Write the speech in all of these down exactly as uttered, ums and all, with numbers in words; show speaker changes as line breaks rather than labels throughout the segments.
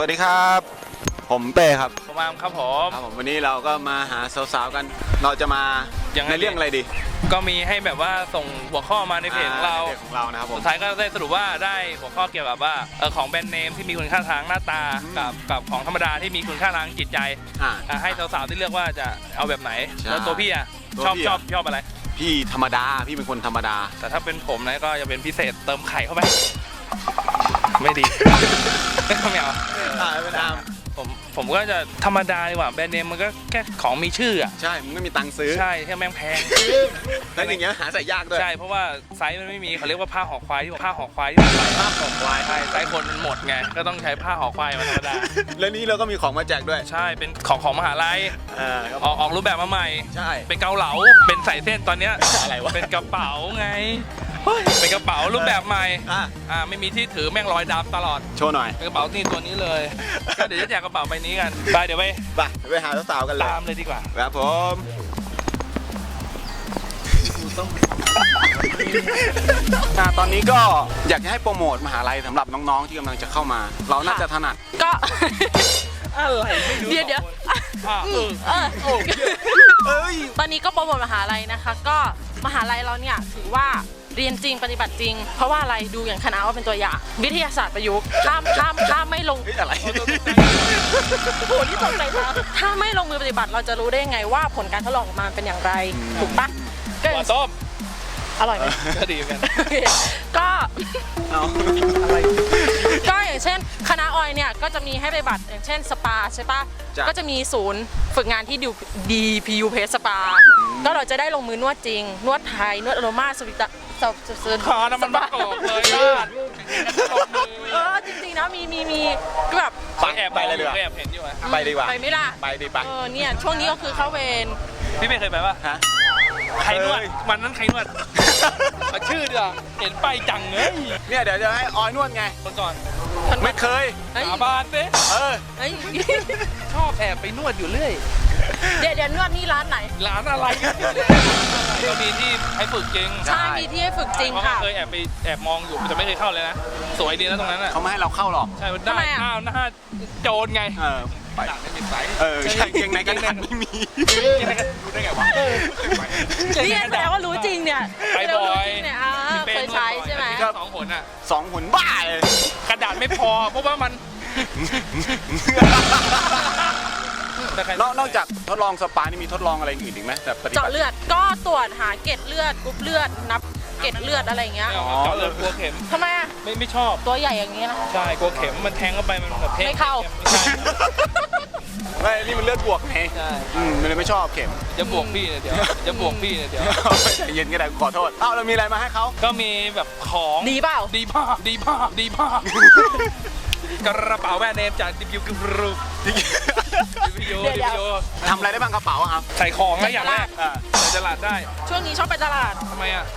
วัสดีครับผมเป้ครับ
ผมอามครับผม
ครับผมวันนี้เราก็มาหาสาวๆกันเราจะมาในเรื่องอะไรดี
ก็มีให้แบบว่าส่งหัวข้อมาในเพจของเรา
ของเรานะครับผม
สุดท้ายก็ได้สรุปว่าได้หัวข้อเกี่ยวกับว่าเออของแบรนด์เนมที่มีคุณค่าทางหน้าตากับกับของธรรมดาที่มีคุณค่าทางจิตใจให้สาวๆที่เลือกว่าจะเอาแบบไหนแล้วตัวพี่อะชอบชอบชอบอะไร
พี่ธรรมดาพี่เป็นคนธรรมดา
แต่ถ้าเป็นผมนะก็จะเป็นพิเศษเติมไข่เข้าไปไม่ดีไม่เอา
เป็นอาม
ผมผมก็จะธรรมดาดีกว่าแบรนด์เนมมันก็แค่ของมีชื่ออ่ะ
ใช่มันไม่มีตังค์ซื้อ
ใช่แค่แม่งแพง
แล้วอย่างเงี้ยหาใส่ยากด้วย
ใช่เพราะว่าไซส์มันไม่มีเขาเรียกว่าผ้าห่อควายที่ผ้าห่อควายที่มันใส่
ผ้าห่อควาย
ใช่ไซส์คนมันหมดไงก็ต้องใช้ผ้าห่อควายมาธรรมดา
แล้วนี้เราก็มีของมาแจกด้วย
ใช่เป็นของของมหาลัยออกออกรูปแบบมาใหม่
ใช่
เป็นเกาเหลาเป็นใส่เส้นตอนเนี้ย
อะไรวะ
เป็นกระเป๋าไงเป็นกระเป๋ารูปแบบใหม่อ่าไม่มีที่ถือแม่งรอยดำตลอด
โชว์หน่อย
เป็นกระเป๋านี่ตัวนี้เลยก็เดี๋ยวจะแจกกระเป๋าใบนี้กันไปเดี๋ยวไป
ไปไปหาสาวๆกันเลย
ตามเลยดีกว่า
ครับผมตอนนี้ก็อยากจะให้โปรโมทมหาลัยสำหรับน้องๆที่กำลังจะเข้ามาเราน่าจะถนัด
ก็
อะไร
เดี๋ยวเดี๋ยวตอนนี้ก็โปรโมทมหาลัยนะคะก็มหาลัยเราเนี่ยถือว่าเรียนจริงปฏิบัติจริงเพราะว่าอะไรดูอย่างคณะว่าเป็นตัวอย่างวิทยาศาสตร์ประยุกต์ข้ามข้ามข้ามไม่ลง
อะไร
โหที่ตกใจนะถ้าไม่ลงมือปฏิบัติเราจะรู้ได้ไงว่าผลการทดลองออกมาเป็นอย่างไรถูกปะ
ก็ส้ม
อร่อยไหม
ก็ดีเหมือนกัน
ก็อะไรก็อย่างเช่นคณะออยเนี่ยก็จะมีให้ปฏิบัติอย่างเช่นสปาใช่ปะก็จะมีศูนย์ฝึกงานที่ดี พี ยู เพส สปาก็เราจะได้ลงมือนวดจริงนวดไทยนวดอโรมาสวิตสอบเซิร์น
คอน้ำมันมะกอกเลย
เออจริงๆนะมีมีมีก็แบบ
ไปแอบไปเลยดีกว่าแอบเห็นอยู่
ไปดีกว่า
ไปไม่ล่ะ
ไปดีป่ะ
เออเนี่ยช่วงนี้ก็คือเข้าเวร
พี่ไม่เคยไปป่ะฮะใครนวดวันนั้นใครนวดชื่อเดียวเห็นไปจังเลย
เนี่ยเดี๋ยวจะให้ออยนวดไง
คนก่อน
ไม่เคย
สาบานสิ
เออ
ชอบแอบไปนวดอยู่เรื่อย
เดี๋ยวเดี๋ยวนวดนี่ร้านไหน
ร้านอะไรก็มีที่ให้ฝึกจริง
ใช่มีที่ให้ฝึกจริงค่ะ
เคยแอบไปแอบมองอยู่แต่ไม่เคยเข้าเลยนะสวยดีนะตรงนั้นอ่ะ
เขาไม่ให้เราเข้าหรอก
ใช่ได้ข้าวหน้าโจรไง
เออ
ไปไม่มีไซส์
เออใช่เก่งในกระดาษไม่มี
เก่งในกระดาษรู้ได้ไงวะ
นี่แสดงว่ารู้จริงเนี่ย
ไปบ่อย
เนี่ยเคยใช้ใช่ไหม
สองผลอ่ะ
สองผลบ้าเลย
กระดาษไม่พอเพราะว่ามัน
นอกจากทดลองสปานี่มีทดลองอะไรอื่นอีกไหมแบบ
เจาะเลือดก็ตรวจหาเกล็ดเลือดกรุ๊ปเลือดนับเกล็ดเลือดอะไรเงี้ย
เจาะเลือดกลัวเข็ม
ทำไมอ่ะ
ไม่ไม่ชอบ
ตัวใหญ่อย่างเงี้ยนะ
ใช่กลัวเข็มมันแทงเข้าไปมันแบบ
ไม่เข้า
ไม่นี่มันเลือดบวกไง
ใช่
มันเลยไม่ชอบเข็ม
จะบวกพี่เนี่ยเดี๋ยวจะบวกพี่เนี่ยเดี๋ยว
เย็นก็ได้ขอโทษเอ้าเรามีอะไรมาให้เขา
ก็มีแบบของ
ดีเปล่า
ดีมากดีมากดีมากกระเป๋าแบรนด์เนมจากดิบิวกรูดิบิวดิบิว
ทำอะไรได้บ้างกระเป๋าครับ
ใส่ของนะอย่างแรกใส่ตลาดได้
ช่วงนี้ชอบไปตลาด
ทำไมอ่ะ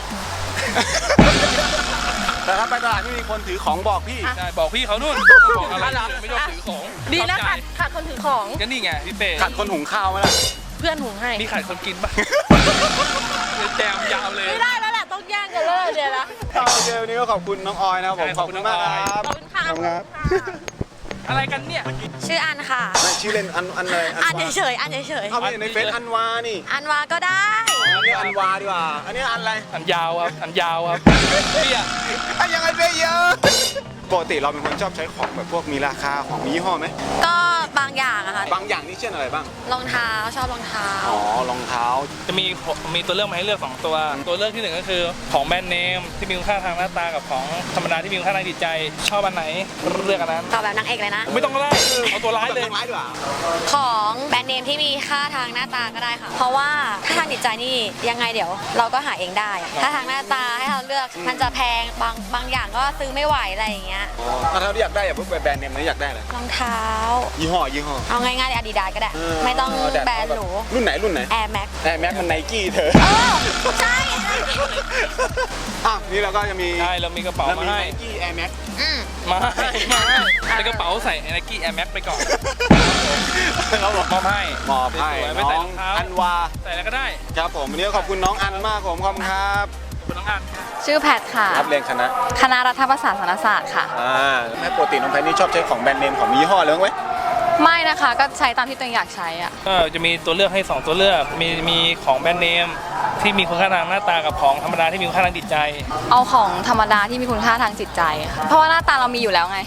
แต่ถ้าไปตลาดไม่มีคนถือของบอกพี่
ใช่บอกพี่เขานู่นบอกอะไรไม่ชอบถือของ
ดีนะขาดขาดคนถือของ
ก็นี่ไงพี่เป้
ขาดคนหุงข้าวไหมล่ะ
เพื่อนหุงให้
มีขาดคนกินป่ะแจมยาวเลย
ไม่ได้แล้วแหละต้องแย่งกันเลยเดี๋ยวนะ
โอเควันนี้ก็ขอบคุณน้องออยนะครับผมขอบคุณมากครับ
ขอบคุณค่ะ
อะไรกันเนี่ย
ชื่ออันค่ะ
ชื่อเล่นอันอันเลย
อันเฉยอันเฉย
เอาไปในเฟซอันวานี่
อันวาก็ได้
อันนี้อันวาดีกว่าอันนี้อันอะไร
อันยาวครับอันยาวครับพี่อะ
อันยังไงเยอะปกติเราเป็นคนชอบใช้ของแบบพวกมีราคาของมียี่ห้อไหม
ก็บางอย่างอะค่ะ
บางอย่างนี่เช่นอะไรบ้าง
รองเท้าชอบรองเท้า
อ๋อรองเท้า
จะมีมีตัวเลือกมาให้เลือกสองตัวตัวเลือกที่หนึ่งก็คือของแบรนด์เนมที่มีคุณค่าทางหน้าตากับของธรรมดาที่มีคุณค่าทางจิตใจชอบอันไหนเลือกอันนั้น
ตอบแบบนางเอกเลยนะ
ไม่ต้องไล่เอาตัวร้ายเลย
ของแบรนด์เนมที่มีค่าทางหน้าตาก็ได้ค่ะเพราะว่าถ้าทางจิตใจนี่ยังไงเดี๋ยวเราก็หาเองได้ถ้าทางหน้าตาให้เราเลือกมันจะแพงบางบางอย่างก็ซื้อไม่ไหวอะไรอย่างเงี้ย
ถ้าเราอยากได้อย่าเพิ่งไปแบรนด์เนมนะอยากได้เลย
รองเท้า
ยี่ห้อยี่ห้อ
เอาง่ายๆอาดิดาสก็ได้ไม่ต้องแบรนด์หรู
รุ่นไหนรุ่นไหน
Air Max
Air Max มันไนกี้เธอ
ใช่
อ่ะนี่เราก็จะมี
ใช่เรามีกระเป๋ามาให้
Nike Air Max
มาให้มาให้ในกระเป๋าใส่ Nike Air Max ไปก่อน
เขาบอก
มอบให้
มอบให้
ไม่ใส่รองเท้า
อันวา
ใส่อะไรก็ได้
ครับผมวันนี้ขอบคุณน้องอันมากผมขอบคุณครับ
ขอบคุณน้องอัน
ชื่อแพทค่ะ
รับเรียนคณะ
คณะรัฐประศาสนศาสตร์ค่ะ
อ่าแม่ปกติน้องแพทนี่ชอบใช้ของแบรนด์เนมของมียี่ห้อเลยไหม
ไม่นะคะก็ใช้ตามที่ตัวเองอยากใช้อะ
ก็จะมีตัวเลือกให้สองตัวเลือกมีมีของแบรนด์เนมที่มีคุณค่าทางหน้าตากับของธรรมดาที่มีคุณค่าทางจิตใจ
เอาของธรรมดาที่มีคุณค่าทางจิตใจค่ะเพราะว่าหน้าตาเรามีอยู่แล้วไง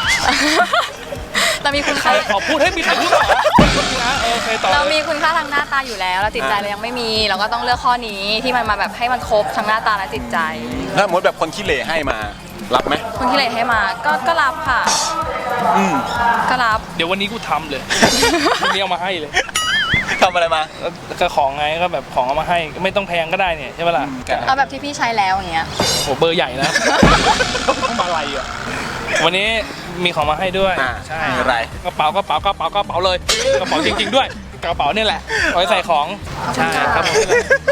เรามีคุณค่า
ขอพูดให้มีใครพูดเหรอนะเออเคยต่อ
เรา
เล
มี
ย
คุณค่าทางหน้าตาอยู่แล้วแล้วจิตใจเรายังไม่มี เราก็ต้องเลือกข้อนี้ที่มันมาแบบให้มันครบทั้งหน้าตาและจิตใจ
ถ้าสมมติแบบคนขี้เหร่ให้มารับไหม
คนที่เลทให้มาก็ก็รับค่ะ
อืม
ก็รับ
เดี๋ยววันนี้กูทำเลยวันนี้เอามาให้เลย
ทำอะไรมา
ก็ของไงก็แบบของเอามาให้ไม่ต้องแพงก็ได้เนี่ยใช่ปะล่ะ
เอาแบบที่พี่ใช้แล้วอย่างเงี้ย
โหเบอร์ใหญ่นะ ต้องมาอะไรอ่ะวันนี้มีของมาให้ด้วย
อ่า
ใช่
มีอะไร
กระเป๋ากระเป๋ากระเป๋ากระเป๋าเลยกระเป๋าจริง ๆ ด้วยกระเป๋านี่แหละไว้ใส่ของใช่ครับผม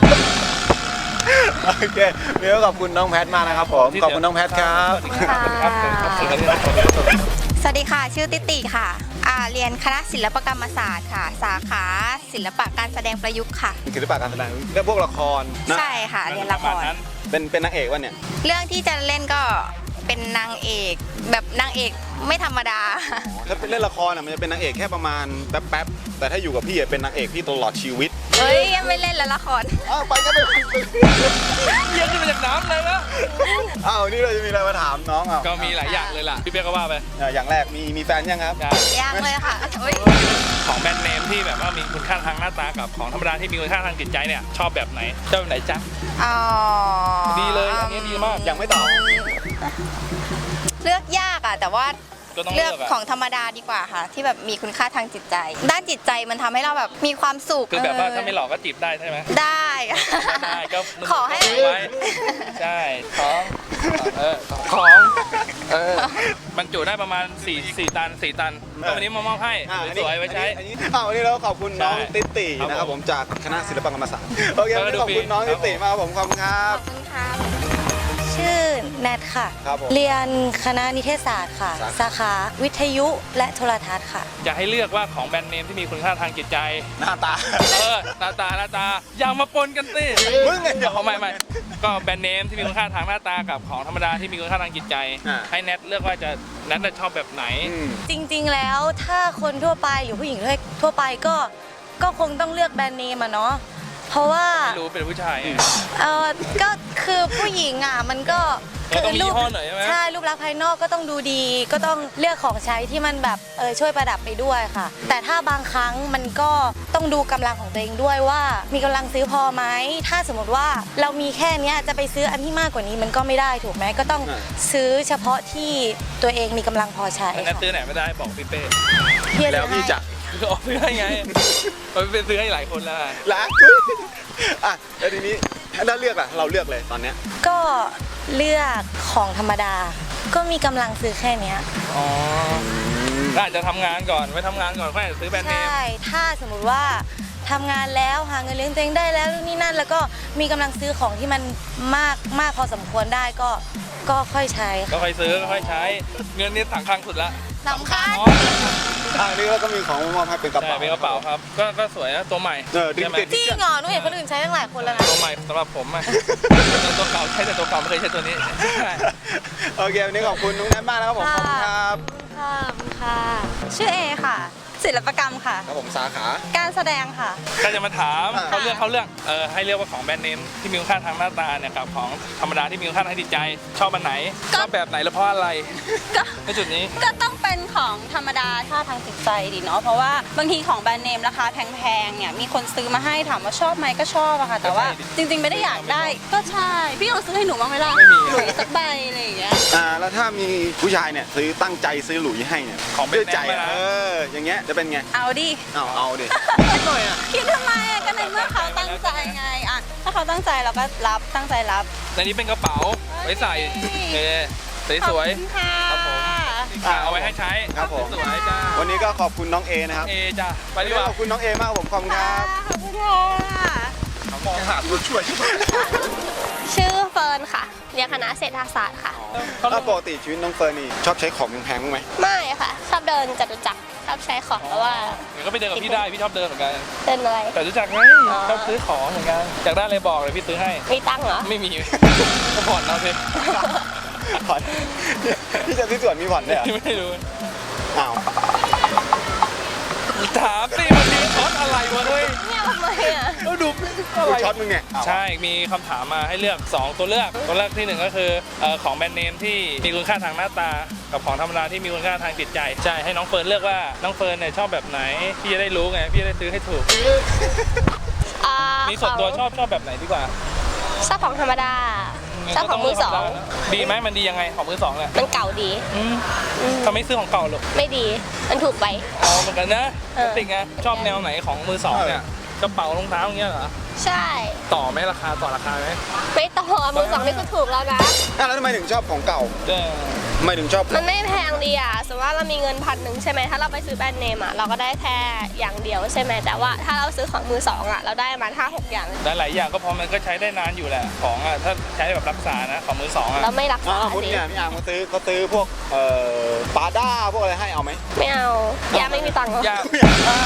โอเคเดี๋ยวขอบคุณน้องแพทมากนะครับผมขอบคุณน้องแพทครับ
สวัสดีครับสวัสดีครับ
สวัสดีค่ะ ชื่อติติค่ะอ่าเรียนคณะศิลปกรรมศาสตร์ค่ะ สาขาศิลปะการแสดงประยุกต์ค่ะ
ศิลปะการแสดงเรื่องพวกละครนะ
ใช่ค่ะ เรียนละคร
เป็นเป็นนางเอกวะเนี่ย
เรื่องที่จะเล่นก็เป็นนางเอกแบบนางเอกไม่ธรรมดา
ถ้าเป็นเล่นละครอ่ะมันจะเป็นนางเอกแค่ประมาณแป๊บๆแต่ถ้าอยู่กับพี่อ่ะเป็นนางเอกพี่ตลอดชีวิต
เฮ้ยยังไม่เล่นแล้วละคร
อ้าวไปก็ไป
เย็นขึ้นมาจากน้ำเลยนะ
อ้าวนี่เราจะมีอะไรมาถามน้องอ่ะ
ก็มีหลายอย่างเลยล่ะพี่เปียกก็ว่าไป
อ่ะอย่างแรกมีมีแฟนยังครับ
ยังเลยค่ะเฮ้ย
ของแบรนด์เนมที่แบบว่ามีคุณค่าทางหน้าตากับของธรรมดาที่มีคุณค่าทางจิตใจเนี่ยชอบแบบไหนชอบแบบไหนจ๊ะ
อ๋อ
ดีเลยอันนี้ดีมาก
ยังไม่ตอบ
เลือกยากอ่ะแต่ว่า
ก็ต้อง
เลื
เลื
อ
อก กอะ
ของธรรมดาดีกว่าค่ะ ที่แบบมีคุณค่าทางจิตใจ ด้านจิตใจมันทำให้เราแบบมีความสุข
คือแบบว่า
เออ
ถ้าไม่หลอกก็จีบได้ใช่ไหม
ได้
ได้ก็
ขอให้
ไว้ใช่ของเออของเออบรรจุได้ประมาณ4 4ตัน4ตันก็วันนี้มามอบให้
อ่ะอันนี้
สวยๆไว้ใช้
อันนี้อ้าววันนี้เราขอบคุณน้อง
ใช่
ติติ
ครับ
นะครับ
ผ
ผม มจากคณะศิลปกรรมศาสตร์โอเค
แล้วก็
วันนี้
ดู
ขอบคุณน้อง
ฟรี
ติติมากครับผมขอบคุณครั
ข
บ
อบคุณค่ะชื่อแนทค่ะ
ครับผม
เรียนคณะนิเทศศาสตร์ค่ะ
สาขา
สาขาวิทยุและโทรทัศน์ค่ะ
อยากให้เลือกว่าของแบรนด์เนมที่มีคุณค่าทางจิตใจ
หน้าตา
เออหน้าตาหน้าตาอย่ามาปนกันสิ
มึงไง
เอาไม่ไม่ก็แบรนด์เนมที่มีคุณค่าทางหน้าตากับของธรรมดาที่มีคุณค่าทางจิตใจ
อ่า
ให้แนทเลือกว่าจะแนทจะชอบแบบไหน
อืม
จริงๆแล้วถ้าคนทั่วไปหรือผู้หญิงทั่วไปก็ก็คงต้องเลือกแบรนด์เนมอะเนาะเพราะว่า
ไม่รู้เป็นผู้ชายไง
เออก็คือผู้หญิงอ่ะมันก็
ก็ต้องมียี่ห้อหน่อยใช่ไหม
ใช่รูปลักษณ์ภายนอกก็ต้องดูดี ก็ต้องเลือกของใช้ที่มันแบบเออช่วยประดับไปด้วยค่ะ แต่ถ้าบางครั้งมันก็ต้องดูกำลังของตัวเองด้วยว่า มีกำลังซื้อพอไหมถ้าสมมติว่าเรามีแค่เนี้ยจะไปซื้ออันที่มากกว่านี้มันก็ไม่ได้ถูกไหมก็ต้อง
อ่า
ซื้อเฉพาะที่ตัวเองมีกำลังพอใช้
ถ้าแนทซื้อไหนไม่ได้บอกพี่เป้
พี่เลื
แล้
อ
ว
ก
พี่
ให้
จะ
ก็ออกซื้อให้ไงมันเป็นซื้อให้หลายคนแล้ว
รักอ่ะแล้วทีนี้ถ้าเลือกอ่ะเราเลือกเลยตอนเนี้ย
ก็เลือกของธรรมดา ก็มีกำลังซื้อแค่เนี้ย
อ๋อก็อาจจะทำงานก่อนไว้ทำงานก่อนค่อยซื้อแบรนด์เน
ใช่
ม
ถ้าสมมุติว่าทำงานแล้วหาเงินเลี้ยงตัวเองได้แล้วนู่นนี่นั่น แล้วก็มีกำลังซื้อของที่มันมากมากพอสมควรได้ก็ก็ค่อยใช้
ก็ค่อยซื้อก็ค่อยใช้ เงินนี่ถังคลังสุดละ
สำคัญ
อ๋อ
อ่ะนี่เราก็มีของมามอบให้เป็นกระ
ใช่
เป๋า
เป็นกระเป๋าครับ ก็ก็สวยนะตัวใหม่
เออดึง
ใช่ไหม
ติด
จริงเหรอหนูเห็นคนอื่นใช้ตั้งหลายคนแล้วนะ
ตัวใหม่สำหรับผมอะ ตัวเก่าใช้แต่ตัวเก่าไม่เคยใช้ตัวนี้ใช่
โอเควันนี้ขอบคุณน้องแนทมากนะครับผมขอบคุณครับ
ค่ะค่ะ ชื่อเอค่ะ ศิลปกรรมค่ะ
ครับผมสาขา
การแสดงค่ะ
ก็จะมาถาม
อ่า
เขาเลือกเขาเลือกเออให้เลือกว่าของแบรนด์เนมที่มีคุณค่าทางหน้าตาเนี่ยกับของธรรมดาที่มีคุณค่าทางจิตใจ ชอบอันไหน
ก็
ชอบแบบไหนและเพราะอะไร
ก็
ในจุดนี้
ก็ต้องเป็นของธรรมดาค่าทางจิตใจดีเนาะเพราะว่าบางทีของแบรนด์เนมราคาแพงๆเนี่ยมีคนซื้อมาให้ถามว่าชอบไหมก็ชอบอะค่ะ แต่ว่า
ก็ใช่ดิ
จริงๆไม่ได้อยากได้ ก็ใช่พี่ลองซื้อให้หนูบ้างไหมล่ะ
ไม่มี
หลุยสักใบอะไรอย่างเงี้ย
อ่าแล้วถ้ามีผู้ชายเนี่ยซื้อตั้งใจซื้อหลุยให้เนี่ย
ของแบร
ด้วย
นด์เน
ใจ
มนะ
เอออย่างเงี้ยจะเป็นไง
เอาดิ
เอาเอาดิ
หน่อยอ่ะ
คิดทำไมอะก็ในเมื่อเขาตั้งใจไงอะถ้าเขาตั้งใจเราก็รับตั้งใจรับ
ในนี้เป็นกระเป๋าไว้ใส่เออสวย
ขอบคุณค่ะ
ครับผม ๆอ่ะเอาไว้ให้ใช้
ครับผม
สวยๆจ้า
วันนี้ก็ขอบคุณน้องเอนะครับ
เอจ้าไป
วัน
ดี
นี้
กว่า
ขอบคุณน้องเอมากครับผมขอบคุณครับ
ขอบคุณค่ะ
มองหาตัวช่วย
ชื่อเฟิร์นค่ะ เรียนคณะเศรษฐศาสตร์ค่ะ
ถ้าปกติชีวิตน้องเฟิร์นนี่ชอบใช้ของแพงๆบ้างไหม
ไม่ค่ะ ชอบเดินจตุจักรชอบใช้ของเพราะว่า
เดี๋ยวก็ไปเดินกับพี่ได้พี่ชอบเดินเหมือนกัน
เต้นอะไร
แต่รู้จักไง
อ๋อ
ชอบซื้อของเหมือนกันอยากได้อะไรบอกเลยพี่ซื้อให้
มีตังค์เหรอ
ไม่มี ก็ผ่อนเอาสิ
ผ่อนที่จะที่สวนมีผ่อนด้วยเหรอ
ไม่รู้
อ้าว
ถามสิมันมีช็อตอะไรวะเฮ้ย
เนี่ยทำไมอ่ะ
แล้วดู
กูช็อตมึงเนี่ยอ้าว
ใช่ มีคำถามมาให้เลือก สอง ตัวเลือก ตัวเลือกที่หนึ่งก็คือเอ่อของแบรนด์เนมที่มีคุณค่าทางหน้าตา กับของธรรมดาที่มีคุณค่าทางจิตใจ ใช่ ให้น้องเฟิร์นเลือกว่าน้องเฟิร์นเนี่ยชอบแบบไหน พี่จะได้รู้ไง พี่จะได้ซื้อให้ถูก
อ่า
มีส่วนตัวชอบชอบแบบไหนดีกว่า
ชอบของธรรมดาชอบของมือสอง
ดีไหมมันดียังไงของมือสองเนี่ย
มันเก่าดี
อืมทำไมซื้อของเก่าหรอก
ไม่ดี มันถูกไป
อ๋อเหมือนกันนะ
เออ
ติงไงชอบแนวไหนของมือสองเนี่ยกระเป๋ารองเท้าอย่างเงี้ยเหรอ
ใช่
ต่อไหมราคาต่อราคาไหม
ไม่ต่อมือสองนี่คือถูกแล้วนะ
อ้าวแล้วทำไมถึงชอบของเก่า
เออ
ทำไมถึงชอบ
มันไม่แพงดีอ่ะสมมติว่าเรามีเงินพันหนึ่งใช่ไหมถ้าเราไปซื้อแบรนด์เนมอ่ะเราก็ได้แค่อย่างเดียวใช่ไหมแต่ว่าถ้าเราซื้อของมือสองอ่ะเราได้ประมาณห้าหกอย่าง
หลายๆอย่างก็พอมันก็ใช้ได้นานอยู่แหละของอ่ะถ้าใช้แบบรักษานะของมือสองอ่ะ
เราไม่รัก
อ้า
ษาว
คุณ
ดิ
เนี่ยพี่อาร์มเขาซื้อเขาซื้อพวกเอ่อปาด้าพวกอะไรให้เอาไหม
ไม่เอายาไม่มีตังค์เหรอ
อยาก
ไม่อยากได้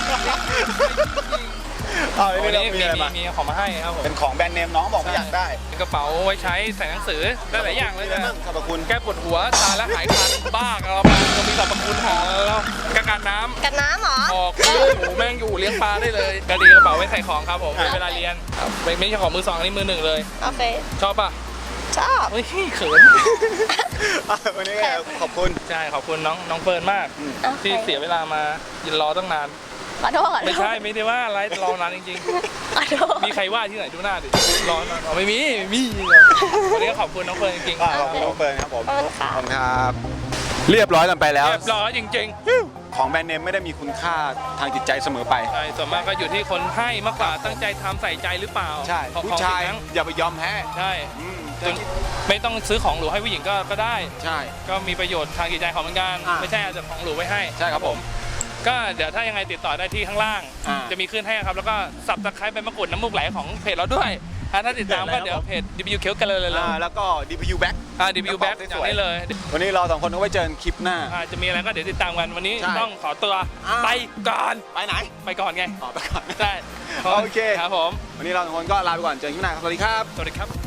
เอา
วัน
เรื่
นี้
อง
มี
มีอะไร
มี
มา
มีของมาให้ครับผม
เป็นของแบรนด์เนมน้องบอกไม่อยากได้
เป็นกระเป๋าไว้ใช้ใส่หนังสือได้หลายอย่างเลย
ได้
นะ
บ้างสรรพคุณ
แก้ปวดหัวทานแล้วหายคันบ้ากันเรามาก็มีสรรพคุณหาแล้วกันกันน้ำ
กันน้ำเหรอ
ออกหมูแม่งอยู่เลี้ยงปลาได้เลยกระดีกระเป๋าไว้ใส่ของครับผมเวลาเรียนครับไม่ไม่ใช่ของมือสองอันนี้มือหนึ่งเลย
โอเค
ชอบป่ะ
ชอบ
เฮ้ยเขิน
อ่ะวันนี้ก็ขอบคุณ
ใช่ขอบคุณน้องน้องเฟิร์นมาก
โอเค
ที่เสียเวลามายืนรอตั้งนาน
ขอโทษขอโทษ
ไม่ใช่ไม่ได้ว่าอะไรรอนานจริง
ขอโทษ
ๆ มีใครว่าที่ไหนดูหน้าดิรอนานอ๋อไม่มีไม่มีวันนี้ก็ขอบคุณน้องเฟิร์นจริง
อ่ะขอบคุณน้องเฟิร์นครับผม
ขอบคุณค่ะ
ขอบคุณครับ เรียบร้อยกันไป
ๆ
แล้ว
เรียบร้อยจริง
ของแบรนด์เนมไม่ได้มีคุณค่าทางจิตใจเสมอไป
ๆใช่ส่วนมากก็อยู่ที่คนให้มากกว่าตั้งใจทำใส่ใจหรือเปล่า
ใช่
ของ
ผู้
ของ
ชาย
สิ่งนั้น
อย่าไปยอมแพ้
ใช่
อืม
จนไม่ต้องซื้อของหรูให้ผู้หญิงก็ก็ได้
ใช่
ก็มีประโยชน์ทางจิตใจของเหมือนกัน
อ่า
ไม่ใช่เอาแต่ของหรูไว้ให้
ใช่ครับผม
ก็เดี๋ยวถ้ายังไงติดต่อได้ที่ข้างล่าง
อ่า
จะมีขึ้นให้ครับแล้วก็สับตะไคร้ใบมะกรูดน้ำมูกไหลของเพจเราด้วยอ่าถ้าติดตามก็เดี๋ยวเพจ ดี พี ยู เคียวกันเลยเลย
อ่าแล้วก็ ดี พี ยู Back
อ่า ดี พี ยู แบ็คอย่างนี้เลย
วันนี้เราสองคนก็ไว้เจอกันคลิปหน้า
อ่าจะมีอะไรก็เดี๋ยวติดตามกันวันนี้
ใช่
ต้องขอตัว
อ่า
ไปก่อน
ไปไหน
ไปก่อนไง
ต่อไปก่อน
ใช่
โอเค
ครับผม
วันนี้เราสองคนก็ลาไปก่อน เจอกันคลิปหน้าครับสวัสดีครับ
สวัสดีครับ